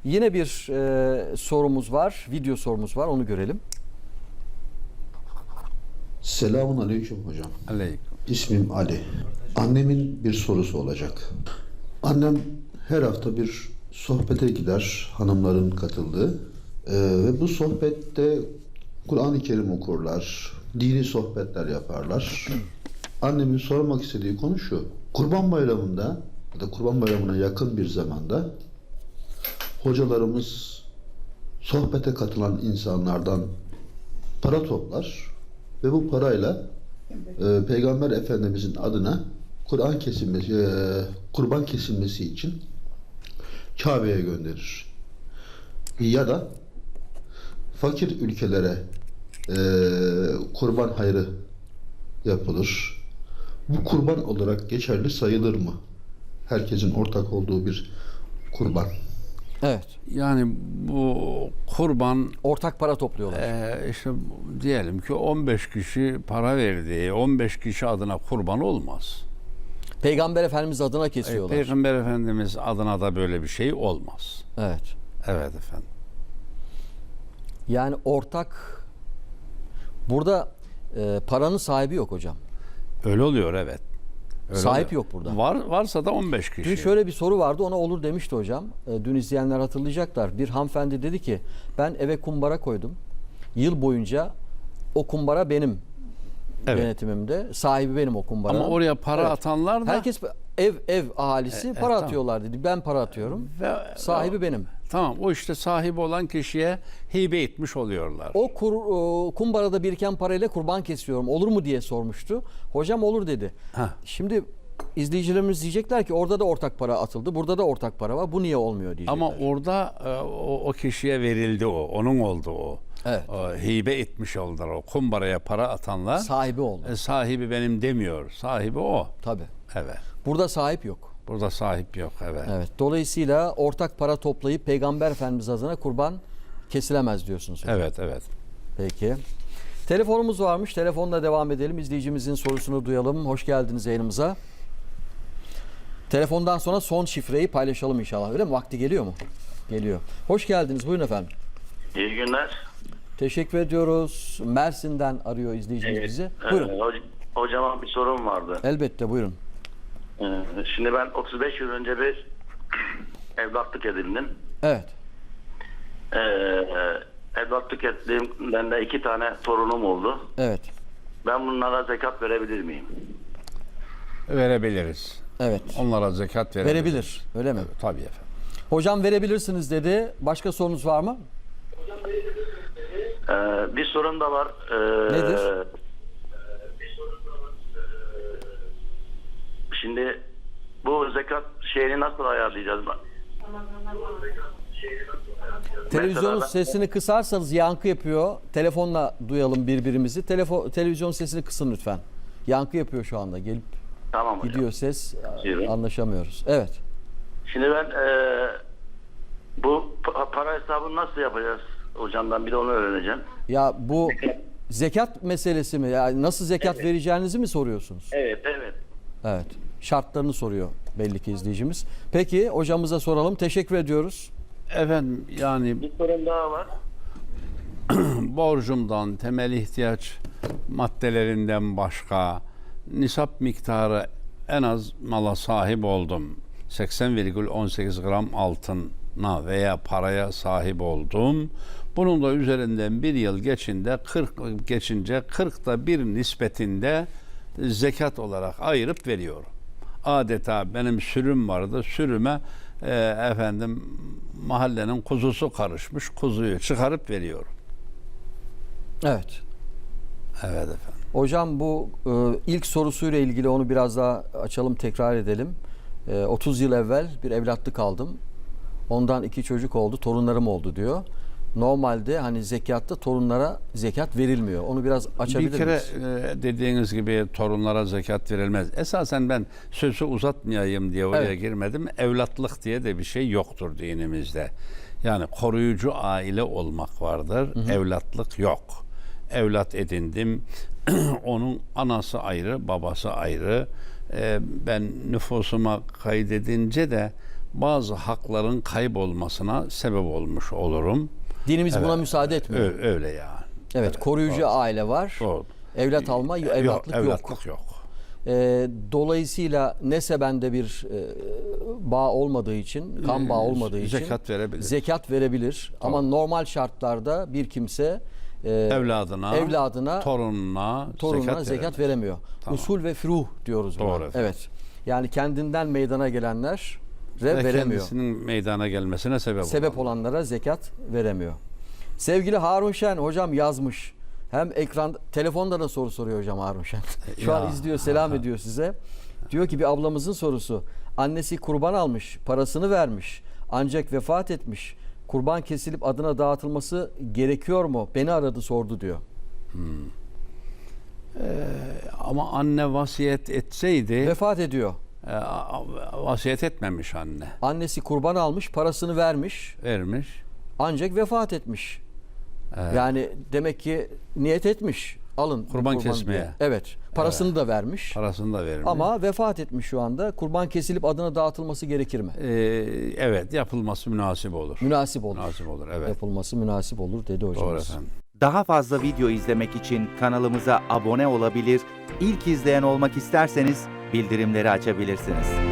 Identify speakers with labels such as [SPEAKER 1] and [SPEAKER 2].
[SPEAKER 1] Yine bir sorumuz var, video sorumuz var, onu görelim.
[SPEAKER 2] Selamun aleyküm hocam.
[SPEAKER 3] Aleyküm.
[SPEAKER 2] İsmim Ali. Annemin bir sorusu olacak. Annem her hafta bir sohbete gider, hanımların katıldığı. Ve bu sohbette Kur'an-ı Kerim okurlar, dini sohbetler yaparlar. Annemin sormak istediği konu şu: Kurban Bayramı'nda ya da Kurban Bayramı'na yakın bir zamanda hocalarımız sohbete katılan insanlardan para toplar ve bu parayla Peygamber Efendimizin adına kurban kesilmesi için Kabe'ye gönderir. Ya da fakir ülkelere kurban hayrı yapılır. Bu kurban olarak geçerli sayılır mı? Herkesin ortak olduğu bir kurban.
[SPEAKER 1] Evet.
[SPEAKER 3] Yani bu kurban
[SPEAKER 1] Ortak para topluyorlar.
[SPEAKER 3] işte diyelim ki 15 kişi para verdi. 15 kişi adına kurban olmaz.
[SPEAKER 1] Peygamber Efendimiz adına kesiyorlar.
[SPEAKER 3] Peygamber Efendimiz adına da böyle bir şey olmaz.
[SPEAKER 1] Evet.
[SPEAKER 3] Evet efendim.
[SPEAKER 1] Yani ortak, burada paranın sahibi yok hocam.
[SPEAKER 3] Öyle oluyor evet. Öyle
[SPEAKER 1] Sahip
[SPEAKER 3] oluyor.
[SPEAKER 1] yok burada.
[SPEAKER 3] Varsa da 15 kişi.
[SPEAKER 1] Dün şöyle bir soru vardı, ona olur demişti hocam. Dün izleyenler hatırlayacaklar. Bir hanımefendi dedi ki ben eve kumbara koydum. Yıl boyunca o kumbara benim yönetimimde. Sahibi benim o kumbaranın.
[SPEAKER 3] Ama oraya para atanlar da
[SPEAKER 1] herkes ev ahalisi para
[SPEAKER 3] tamam.
[SPEAKER 1] atıyorlar dedi. Ben para atıyorum.
[SPEAKER 3] Ve
[SPEAKER 1] Sahibi benim.
[SPEAKER 3] Tamam, o işte sahibi olan kişiye hibe etmiş oluyorlar.
[SPEAKER 1] O kumbarada biriken parayla kurban kesiyorum. Olur mu diye sormuştu. Hocam olur dedi.
[SPEAKER 3] Heh.
[SPEAKER 1] Şimdi izleyicilerimiz diyecekler ki orada da ortak para atıldı. Burada da ortak para var. Bu niye olmuyor diyecekler.
[SPEAKER 3] Ama orada o kişiye verildi o. Onun oldu o.
[SPEAKER 1] Evet.
[SPEAKER 3] Hibe etmiş oldular o. Kumbaraya para atanlar.
[SPEAKER 1] Sahibi oldu.
[SPEAKER 3] Sahibi benim demiyor. Sahibi o.
[SPEAKER 1] Tabii.
[SPEAKER 3] Evet.
[SPEAKER 1] Burada sahip yok.
[SPEAKER 3] Burada sahip yok. Evet.
[SPEAKER 1] Evet. Dolayısıyla ortak para toplayıp Peygamber Efendimiz adına kurban kesilemez diyorsunuz hocam.
[SPEAKER 3] Evet, evet.
[SPEAKER 1] Peki. Telefonumuz varmış. Telefonla devam edelim. İzleyicimizin sorusunu duyalım. Hoş geldiniz yayınımıza. Telefondan sonra son şifreyi paylaşalım inşallah. Öyle mi? Vakti geliyor mu? Geliyor. Hoş geldiniz. Buyurun efendim.
[SPEAKER 4] İyi günler.
[SPEAKER 1] Teşekkür ediyoruz. Mersin'den arıyor izleyicimiz bizi. Buyurun.
[SPEAKER 4] Hocama bir sorum vardı.
[SPEAKER 1] Elbette buyurun.
[SPEAKER 4] Şimdi ben 35 yıl önce bir evlatlık edindim.
[SPEAKER 1] Evet.
[SPEAKER 4] Evlatlık ettiğimden de 2 tane torunum oldu.
[SPEAKER 1] Evet.
[SPEAKER 4] Ben bunlara zekat verebilir miyim?
[SPEAKER 3] Verebiliriz.
[SPEAKER 1] Evet.
[SPEAKER 3] Onlara zekat verebiliriz.
[SPEAKER 1] Verebilir. Öyle mi?
[SPEAKER 3] Tabii efendim.
[SPEAKER 1] Hocam verebilirsiniz dedi. Başka sorunuz var mı?
[SPEAKER 4] Bir sorun da var.
[SPEAKER 1] Nedir?
[SPEAKER 4] Şimdi bu zekat şeyini nasıl ayarlayacağız?
[SPEAKER 1] Televizyonun
[SPEAKER 4] Mesela
[SPEAKER 1] sesini kısarsanız yankı yapıyor. Telefonla duyalım birbirimizi. Televizyon sesini kısın lütfen. Yankı yapıyor şu anda. Gelip
[SPEAKER 4] Tamam hocam.
[SPEAKER 1] gidiyor ses.
[SPEAKER 4] Buyurun.
[SPEAKER 1] Anlaşamıyoruz. Evet.
[SPEAKER 4] Şimdi ben bu para hesabını nasıl yapacağız? Hocamdan bir de onu öğreneceğim.
[SPEAKER 1] Ya bu zekat meselesi mi? Yani nasıl zekat vereceğinizi mi soruyorsunuz?
[SPEAKER 4] Evet, evet.
[SPEAKER 1] Evet. Şartlarını soruyor belli ki izleyicimiz. Peki hocamıza soralım. Teşekkür ediyoruz.
[SPEAKER 3] Efendim yani
[SPEAKER 4] Bir sorun daha var.
[SPEAKER 3] borcumdan, temel ihtiyaç maddelerinden başka nisap miktarı en az mala sahip oldum. 80,18 gram altına veya paraya sahip oldum. Bunun da üzerinden bir yıl geçince 40'ta bir nispetinde zekat olarak ayırıp veriyorum. Adeta benim sürüm vardı. Sürüme mahallenin kuzusu karışmış. Kuzuyu çıkarıp veriyorum.
[SPEAKER 1] Evet.
[SPEAKER 3] Evet efendim.
[SPEAKER 1] Hocam bu ilk sorusuyla ilgili onu biraz daha açalım, tekrar edelim. 30 yıl evvel bir evlatlık aldım. Ondan 2 çocuk oldu, torunlarım oldu diyor. Normalde hani zekatta torunlara zekat verilmiyor. Onu biraz açabilir
[SPEAKER 3] Bir kere
[SPEAKER 1] miyiz?
[SPEAKER 3] dediğiniz gibi torunlara zekat verilmez. Esasen ben sözü uzatmayayım diye oraya girmedim. Evlatlık diye de bir şey yoktur dinimizde. Yani koruyucu aile olmak vardır. Hı hı. Evlatlık yok. Evlat edindim. Onun anası ayrı, babası ayrı. Ben nüfusuma kaydedince de bazı hakların kaybolmasına sebep olmuş olurum.
[SPEAKER 1] Dinimiz buna müsaade etmiyor.
[SPEAKER 3] Öyle yani.
[SPEAKER 1] Evet, koruyucu aile var.
[SPEAKER 3] Doğru.
[SPEAKER 1] Evlat alma, evlatlık yok.
[SPEAKER 3] Evlatlık yok.
[SPEAKER 1] Dolayısıyla nesebende bir bağ olmadığı için, kan bağı olmadığı için
[SPEAKER 3] zekat verebilir.
[SPEAKER 1] zekat verebilir. Ama normal şartlarda bir kimse
[SPEAKER 3] evladına, torununa
[SPEAKER 1] zekat veremiyor.
[SPEAKER 3] Tamam.
[SPEAKER 1] Usul ve furuh diyoruz buna.
[SPEAKER 3] Doğru efendim.
[SPEAKER 1] Evet. Yani kendinden meydana gelenler
[SPEAKER 3] ve
[SPEAKER 1] veremiyor.
[SPEAKER 3] kendisinin meydana gelmesine sebep
[SPEAKER 1] Olanlara zekat veremiyor. Sevgili Harun Şen hocam yazmış. Hem telefonda da soru soruyor hocam Harun Şen. Şu an izliyor, selam ediyor size. Diyor ki bir ablamızın sorusu. Annesi kurban almış, parasını vermiş. Ancak vefat etmiş. Kurban kesilip adına dağıtılması gerekiyor mu? Beni aradı, sordu diyor.
[SPEAKER 3] Ama anne vasiyet etseydi
[SPEAKER 1] Vefat ediyor.
[SPEAKER 3] vasiyet etmemiş anne.
[SPEAKER 1] Annesi kurban almış, parasını vermiş.
[SPEAKER 3] Vermiş.
[SPEAKER 1] Ancak vefat etmiş.
[SPEAKER 3] Evet.
[SPEAKER 1] Yani demek ki niyet etmiş. Alın
[SPEAKER 3] Kurban kesmeye.
[SPEAKER 1] diye. Evet. Parasını da vermiş.
[SPEAKER 3] Parasını da vermiş.
[SPEAKER 1] Ama vefat etmiş şu anda. Kurban kesilip adına dağıtılması gerekir mi?
[SPEAKER 3] Evet, yapılması münasip olur.
[SPEAKER 1] Münasip olur.
[SPEAKER 3] Münasip olur, evet.
[SPEAKER 1] Yapılması münasip olur dedi hocamız.
[SPEAKER 3] Doğru efendim.
[SPEAKER 5] Daha fazla video izlemek için kanalımıza abone olabilir, ilk izleyen olmak isterseniz bildirimleri açabilirsiniz.